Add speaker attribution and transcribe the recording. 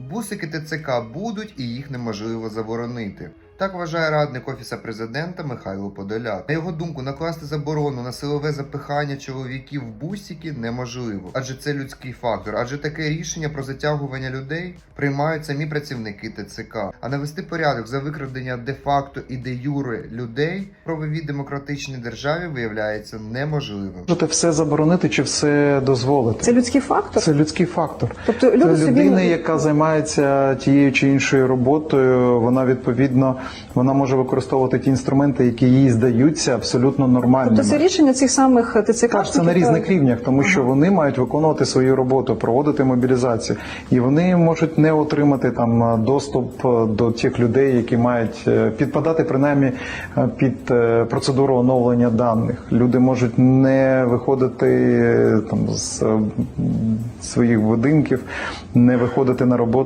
Speaker 1: Бусики ТЦК будуть і їх неможливо заборонити. Так вважає радник Офісу Президента Михайло Подоляк. На його думку, накласти заборону на силове запихання чоловіків в бусики неможливо, адже це людський фактор, адже таке рішення про затягування людей приймають самі працівники ТЦК. А навести порядок за викрадення де-факто і де-юре людей в правовій демократичній державі виявляється неможливим.
Speaker 2: Можете все заборонити чи все дозволити.
Speaker 3: Це людський фактор?
Speaker 2: Це людський фактор.
Speaker 3: Тобто люди
Speaker 2: це людина, яка займається тією чи іншою роботою, вона відповідно може використовувати ті інструменти, які їй здаються абсолютно нормальними.
Speaker 3: Тобто це рішення цих самих ТЦК?
Speaker 2: Так, це на різних рівнях, тому що вони мають виконувати свою роботу, проводити мобілізацію. І вони можуть не отримати там доступ до тих людей, які мають підпадати принаймні під процедуру оновлення даних. Люди можуть не виходити там з своїх будинків, не виходити на роботу.